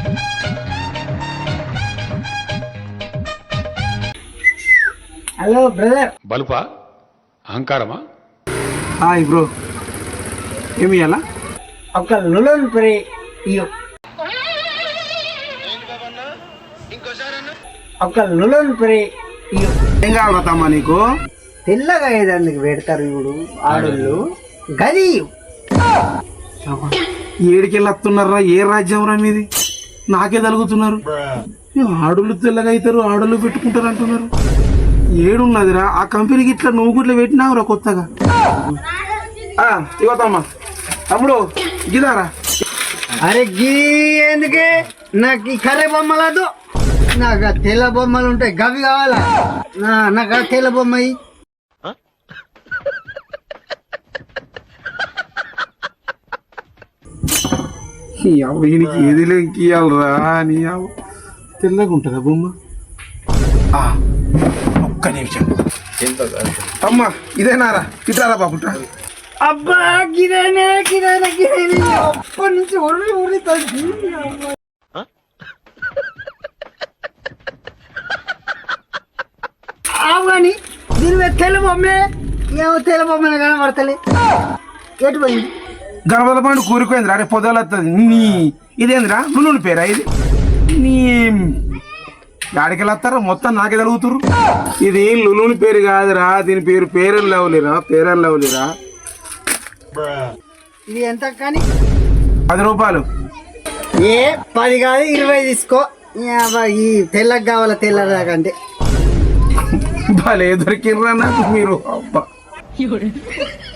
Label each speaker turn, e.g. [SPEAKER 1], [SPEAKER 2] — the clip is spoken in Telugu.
[SPEAKER 1] Hello brother.
[SPEAKER 2] బలుపా అహంకారమా?
[SPEAKER 3] హాయ్ బ్రో, ఏమి ఇవ్వాలా?
[SPEAKER 1] ఒక లులన్ ప్రే ఇయ్యు. ఒక లులన్ ప్రే ఇయ్యు.
[SPEAKER 3] ఏం కావాలా తమ్మా నీకు?
[SPEAKER 1] తెల్లగా ఏదానికి పెడతారు ఇప్పుడు ఆడోళ్ళు, గది ఇయ్యు.
[SPEAKER 3] ఏడికెళ్ళి వస్తున్నారా? ఏ రాజ్యం రా మీది? నాకే తలుగుతున్నారు. ఆడోళ్ళు తెల్లగా అవుతారు, ఆడోళ్ళు పెట్టుకుంటారు అంటున్నారు. ఏడున్నదిరా ఆ కంపెనీకి? ఇట్లా నువ్వు గుట్లా పెట్టినావురా కొత్తగా. ఇవ్వతమ్మా తమ్ముడు, గిదారా.
[SPEAKER 1] అరే గీ ఎందుకే? నాకు ఈ కర్రె బొమ్మలదు, నాకు ఆ తెల్ల బొమ్మలు ఉంటాయి గవి కావాలా. నాకు ఆ తెల్ల బొమ్మ ఇయ్యి.
[SPEAKER 3] ఈయనకి ఏది లేకియాలరా నీ తెల్లగా ఉంటుందా బొమ్మ? ఒక్క నిమిషం అమ్మా, ఇదేనారా? ఇట్లారా బాబుట్రా.
[SPEAKER 1] అబ్బా గిరేనే గిరేనే గిరేనే అప్పటి నుంచి ఉర్రి ఉర్రి ఆవు కానీ దీని మీద తెల్ల బొమ్మే. ఏమో తెల్ల బొమ్మ కనబడతలే. ఎటు పోయింది?
[SPEAKER 3] గణపతి పండు కూరుకోయిందిరా. రేపు పొదలు వస్తుంది. నీ ఇదేందిరా? నువ్వు పేరా ఇది? నీ గాడికెళ్ళి వస్తారా? మొత్తం నాకే తలుగుతురు. ఇది లులుని పేరు కాదురా, దీని పేరు పేరని లేవలేరా, పేరని లేవలేరా.
[SPEAKER 1] ఇది ఎంత కానీ?
[SPEAKER 3] 10 రూపాయలు.
[SPEAKER 1] ఏ 10 కాదు 20 తీసుకో. ఈ తెల్లకి కావాలా? తెల్లదాకంటే
[SPEAKER 3] భలే దొరికిర్రా నాకు మీరు. అబ్బా